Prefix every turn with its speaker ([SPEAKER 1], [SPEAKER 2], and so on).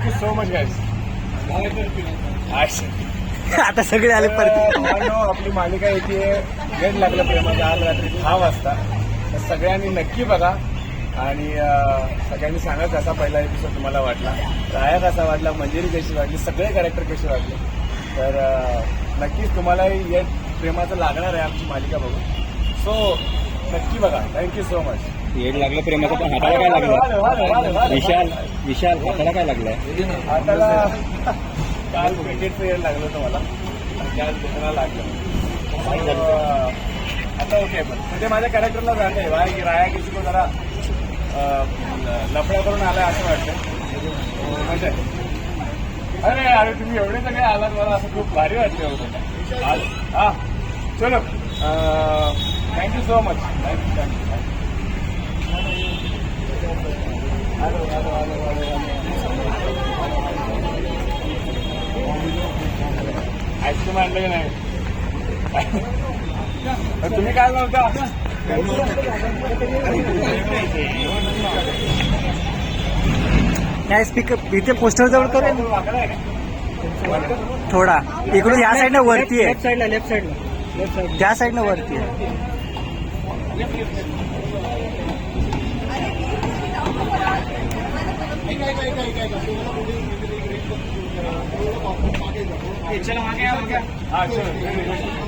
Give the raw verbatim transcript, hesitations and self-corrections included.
[SPEAKER 1] Thank you so much guys.
[SPEAKER 2] आता सगळे आले परत.
[SPEAKER 1] भावांनो, आपली मालिका येते गेट लागलं प्रेमाचं आज रात्री दहा वाजता. तर सगळ्यांनी नक्की बघा आणि अं, सगळ्यांनी सांगा कसा पहिला एपिसोड तुम्हाला वाटला, राया कसा वाटला, मंजिरी कशी वाटली, सगळे कॅरेक्टर कसे वाटले. तर अं, नक्कीच तुम्हालाही या प्रेमाचं लागणार आहे आमची मालिका बघून. सो नक्की बघा. Thank you so much.
[SPEAKER 2] येड लागलं प्रेमाचं, पण हाताला काय लागलं? विशाल विशाल हाताला काय लागलंय?
[SPEAKER 1] हाताला काल क्रिकेटचं येड लागलं होतं मला आणि काल दुसरा लागलं. अं, आता ओके. पण म्हणजे माझ्या कॅरेक्टरला झालं आहे बा की राया किसी को जरा अं, लफडा करून आलाय असं वाटतं. म्हणजे अरे अरे तुम्ही एवढे सगळे आलात, मला असं खूप भारी वाटलं होतं आज. हा चलो, thank you so much. Thank you thank you ice cream आणलं की नाही? तुम्ही काय म्हणता?
[SPEAKER 2] काय स्पीकर इथे पोस्टर जवळ करेल
[SPEAKER 1] वाकडा आहे का?
[SPEAKER 2] थोडा इकडून या साईडनं वरती आहे,
[SPEAKER 3] लेफ्ट साईडला लेफ्ट साईडला लेफ्ट साईड.
[SPEAKER 2] त्या साईडनं वरती आहे.
[SPEAKER 1] हा चलो.